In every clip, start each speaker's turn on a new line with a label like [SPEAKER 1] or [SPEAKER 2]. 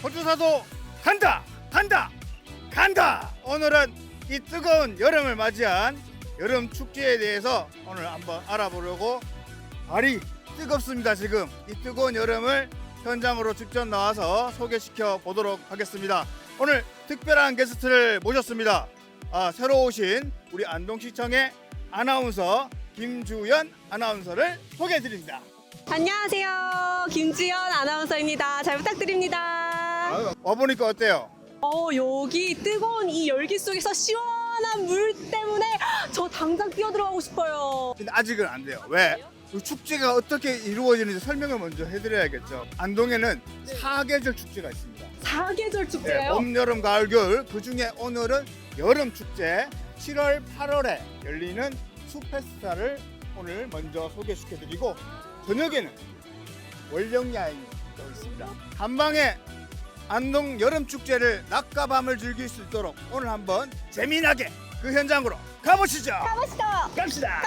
[SPEAKER 1] 호주사도 간다 간다 간다. 오늘은 이 뜨거운 여름을 맞이한 여름 축제에 대해서 오늘 한번 알아보려고 발이 뜨겁습니다. 지금 이 뜨거운 여름을 현장으로 직접 나와서 소개시켜 보도록 하겠습니다. 오늘 특별한 게스트를 모셨습니다. 새로 오신 우리 안동시청의 아나운서 김주연 아나운서를 소개해 드립니다.
[SPEAKER 2] 안녕하세요. 김주연 아나운서입니다. 잘 부탁드립니다.
[SPEAKER 1] 와보니까 어때요?
[SPEAKER 2] 여기 뜨거운 이 열기 속에서 시원한 물 때문에 저 당장 뛰어들어가고 싶어요.
[SPEAKER 1] 근데 아직은 안 돼요. 왜? 이 축제가 어떻게 이루어지는지 설명을 먼저 해드려야겠죠. 안동에는 사계절 축제가 있습니다.
[SPEAKER 2] 사계절 축제예요?
[SPEAKER 1] 봄, 여름, 가을, 겨울. 그 중에 오늘은 여름 축제 7월, 8월에 열리는 숲페스타를 오늘 먼저 소개시켜드리고 저녁에는 월령야행이 또 있습니다. 한방에 안동 여름 축제를 낮과 밤을 즐길 수 있도록 오늘 한번 재미나게 그 현장으로 가보시죠.
[SPEAKER 2] 가보시죠.
[SPEAKER 1] 갑시다.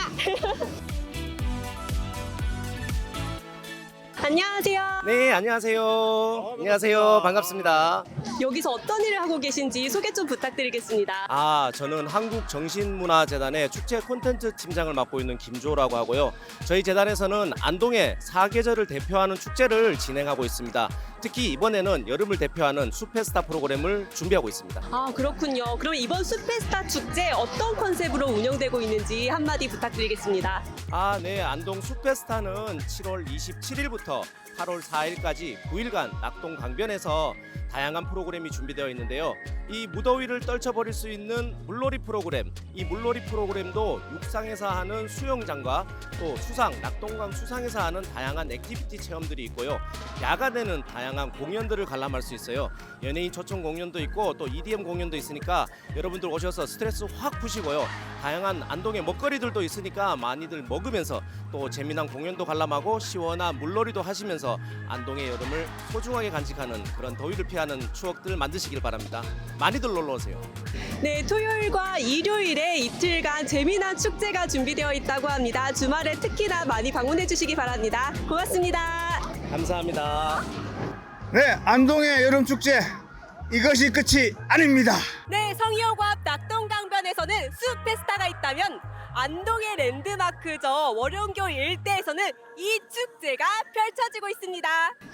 [SPEAKER 2] 안녕하세요.
[SPEAKER 3] 네, 안녕하세요. 안녕하세요. 반갑습니다.
[SPEAKER 2] 여기서 어떤 일을 하고 계신지 소개 좀 부탁드리겠습니다.
[SPEAKER 3] 저는 한국정신문화재단의 축제 콘텐츠 팀장을 맡고 있는 김조라고 하고요. 저희 재단에서는 안동의 사계절을 대표하는 축제를 진행하고 있습니다. 특히 이번에는 여름을 대표하는 숲페스타 프로그램을 준비하고 있습니다.
[SPEAKER 2] 그렇군요. 그럼 이번 숲페스타 축제 어떤 컨셉으로 운영되고 있는지 한마디 부탁드리겠습니다.
[SPEAKER 3] 네, 안동 숲페스타는 7월 27일부터 8월 4일까지 9일간 낙동 강변에서 다양한 프로그램이 준비되어 있는데요. 이 무더위를 떨쳐버릴 수 있는 물놀이 프로그램, 이 물놀이 프로그램도 육상에서 하는 수영장과 또 수상, 낙동강 수상에서 하는 다양한 액티비티 체험들이 있고요. 야간에는 다양한 공연들을 관람할 수 있어요. 연예인 초청 공연도 있고 또 EDM 공연도 있으니까 여러분들 오셔서 스트레스 확 푸시고요. 다양한 안동의 먹거리들도 있으니까 많이들 먹으면서 또 재미난 공연도 관람하고 시원한 물놀이도 하시면서 안동의 여름을 소중하게 간직하는 그런 더위를 피하는 추억들 만드시길 바랍니다. 많이들 놀러 오세요.
[SPEAKER 2] 네, 토요일과 일요일에 이틀간 재미난 축제가 준비되어 있다고 합니다. 주말에 특히나 많이 방문해 주시기 바랍니다. 고맙습니다.
[SPEAKER 3] 감사합니다.
[SPEAKER 1] 네, 안동의 여름 축제 이것이 끝이 아닙니다.
[SPEAKER 2] 네, 성이호구 앞 낙동강변에서는 숲페스타가 있다면 안동의 랜드마크죠. 월용교 일대에서는 이 축제가 펼쳐지고 있습니다.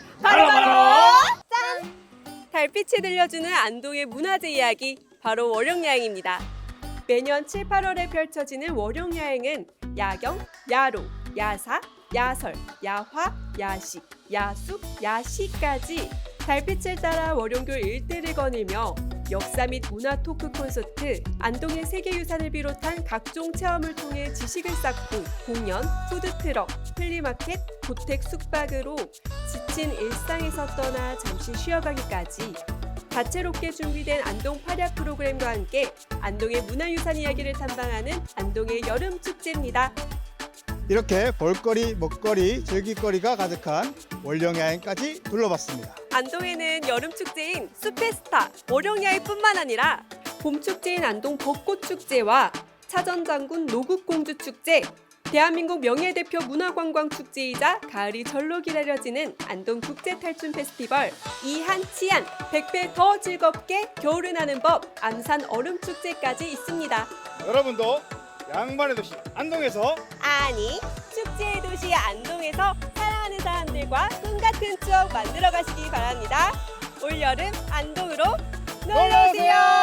[SPEAKER 2] 바로 짠! 달빛이 들려주는 안동의 문화재 이야기, 바로 월용야행입니다. 매년 7, 8월에 펼쳐지는 월용야행은 야경, 야로, 야사, 야설, 야화, 야식, 야숲, 야시까지 달빛을 따라 월용교 일대를 거닐며 역사 및 문화 토크 콘서트, 안동의 세계유산을 비롯한 각종 체험을 통해 지식을 쌓고 공연, 푸드트럭, 플리마켓, 고택 숙박으로 지친 일상에서 떠나 잠시 쉬어가기까지 다채롭게 준비된 안동 파략 프로그램과 함께 안동의 문화유산 이야기를 탐방하는 안동의 여름 축제입니다.
[SPEAKER 1] 이렇게 볼거리, 먹거리, 즐길거리가 가득한 월령야행까지 둘러봤습니다.
[SPEAKER 2] 안동에는 여름 축제인 숲페스타, 월용야행뿐만 아니라 봄 축제인 안동 벚꽃축제와 차전장군 노국공주축제, 대한민국 명예대표 문화관광축제이자 가을이 절로 기다려지는 안동 국제탈춤 페스티벌, 이한치안, 100배 더 즐겁게 겨울을 나는 법, 암산 얼음축제까지 있습니다.
[SPEAKER 1] 여러분도 양반의 도시 안동에서
[SPEAKER 2] 아니, 축제의 도시 안동에서 사랑하는 사람들과 꿈같은 추억 만들어 가시기 바랍니다. 올여름 안동으로 놀러오세요.